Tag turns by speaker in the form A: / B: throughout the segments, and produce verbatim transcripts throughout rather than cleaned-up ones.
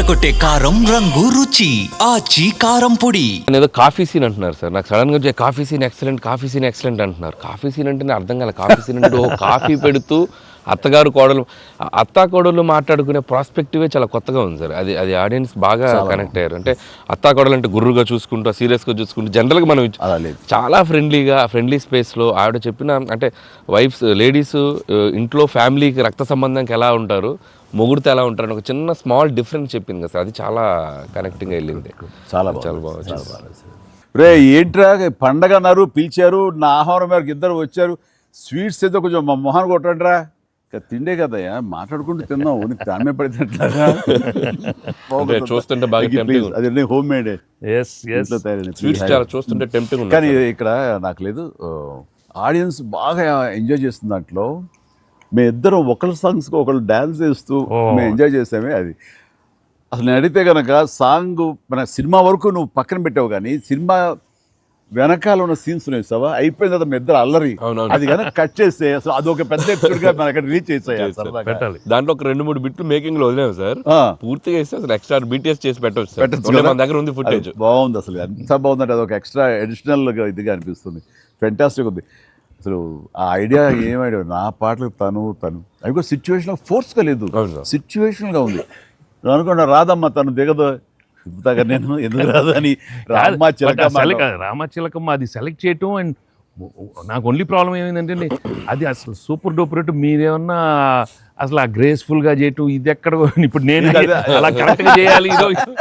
A: అదరకొట్టే కారం రంగు రుచి ఆచి కారం పొడి.
B: ఏదో కాఫీ సీన్ అంటున్నారు సార్. నాకు సడన్ గా వచ్చే coffee scene excellent, coffee scene excellent అంటున్నారు. కాఫీ సీన్ అంటే అర్థం కాలే. కాఫీ సీన్ అంటే ఓ కాఫీ పెడుతూ అత్తగారు కోడలు, అత్తా కోడలు మాట్లాడుకునే ప్రాస్పెక్టివే చాలా కొత్తగా ఉంది సార్. అది అది ఆడియన్స్ బాగా కనెక్ట్ అయ్యారు. అంటే అత్తా కోడలు అంటే గుర్రుగా చూసుకుంటూ, సీరియస్గా చూసుకుంటూ, జనరల్గా మనం చాలా ఫ్రెండ్లీగా ఫ్రెండ్లీ స్పేస్లో ఆవిడ చెప్పిన, అంటే వైఫ్స్ లేడీస్ ఇంట్లో ఫ్యామిలీకి రక్త సంబంధంకి ఎలా ఉంటారు, మొగుడితో ఎలా ఉంటారని ఒక చిన్న స్మాల్ డిఫరెన్స్ చెప్పింది కదా సార్. అది చాలా కనెక్టింగ్ వెళ్ళింది.
C: చాలా
B: చాలా బాగా.
C: రే ఏంట్రా పండగ అన్నారు, పిలిచారు, నా ఆహారం మేరకు ఇద్దరు వచ్చారు, స్వీట్స్ ఏదో కొంచెం మా మొహాన్ని కొట్టండిరా. తిండే కదయ్యా, మాట్లాడుకుంటూ తిన్నాం, దాని పడితేట్లాగా
B: చూస్తుంటే బాగా
C: అదే హోమ్ మేడ్
B: చూస్తుంటే టెంప్టింగ్.
C: కానీ ఇక్కడ నాకు లేదు, ఆడియన్స్ బాగా ఎంజాయ్ చేస్తున్న దాంట్లో మేము ఇద్దరం ఒకళ్ళ సాంగ్స్కి ఒకళ్ళు డ్యాన్స్ చేస్తూ మేము ఎంజాయ్ చేసామే. అది అసలు నేను అడిగితే కనుక సాంగ్ మన సినిమా వరకు నువ్వు పక్కన పెట్టావు, కానీ సినిమా వెనకాల ఉన్న సీన్స్ వేసావా, అయిపోయిన తర్వాత మీ ఇద్దరు అల్లరి అది కనుక కట్ చేస్తే అసలు అదొక పెద్ద ఎపిసోడ్ గా మనకి రీచ్ చేసేయాలి.
B: దాంట్లో ఒక రెండు మూడు బిట్లు మేకింగ్ లో వదిలేము సార్. పూర్తిగా వేస్తే అసలు ఎక్స్ట్రా బీటీఎస్ చేసి పెట్టవచ్చు. మన దగ్గర ఉంది ఫుటేజ్.
C: బాగుంది అసలు, ఎంత బాగుందంటే అదొక ఎక్స్ట్రా అడిషనల్ గా ఇదిగా అనిపిస్తుంది. ఫెంటాస్టిక్ ఉంది అసలు. ఆ ఐడియా ఏం ఐడియా, నా పాటలు తను తను అవి కూడా సిచ్యువేషన్ ఫోర్స్గా లేదు, సిచ్యువేషన్గా ఉంది. నువ్వు అనుకున్నా రాదమ్మా తను దిగదు, చెప్తాగా నేను ఎందుకు రాదు అని. రామచిలక
D: రామచిలకమ్మ అది సెలెక్ట్ చేయటం. అండ్ నాకు ఓన్లీ ప్రాబ్లం ఏమైందంటే అది అసలు సూపర్ డూపర్ రేటు. మీరేమన్నా అసలు ఆ గ్రేస్ఫుల్గా చేయటం, ఇది ఎక్కడ ఇప్పుడు నేను అలా కరెక్ట్గా చేయాలి.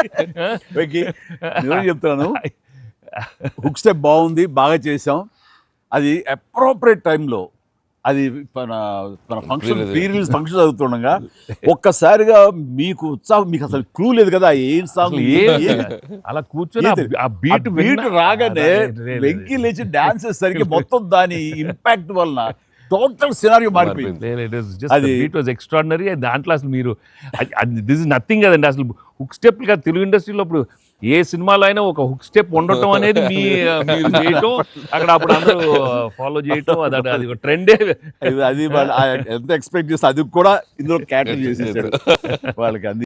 C: నేను చెప్తాను, హుక్ స్టెప్ బాగుంది, బాగా చేసాం. అది అప్రోప్రియేట్ టైంలో, అది మన మన ఫంక్షన్ ప్రీ రిలీజ్ ఫంక్షన్ జరుగుతుండగా ఒక్కసారిగా మీకు ఉత్సాహం, మీకు అసలు క్లూ లేదు కదా ఏం సాంగ్
D: అలా కూర్చొని ఆ బీట్
C: బీట్ రాగానే వెంకీ లేచి డాన్స్ చేసేసరికి మొత్తం దాని ఇంపాక్ట్ వలన టోటల్ సినారియో మారిపోయింది.
D: ఎక్స్ట్రాడినరీ. దాంట్లో అసలు మీరు దిస్ ఇస్ నథింగ్ కదండి. అసలు హుక్ స్టెప్ కదా తెలుగు ఇండస్ట్రీలో ఇప్పుడు ఏ సినిమాలో అయినా ఒక హుక్ స్టెప్ ఉండటం అనేది మీ మీరు చేయటం, అక్కడ అప్పుడు అందరూ ఫాలో చేయటం, అది అది ఒక ట్రెండే.
C: అది ఎంత ఎక్స్పెక్ట్ చేస్తే అది కూడా ఇందులో క్యాటర్ చేసేసాడు వాళ్ళకి.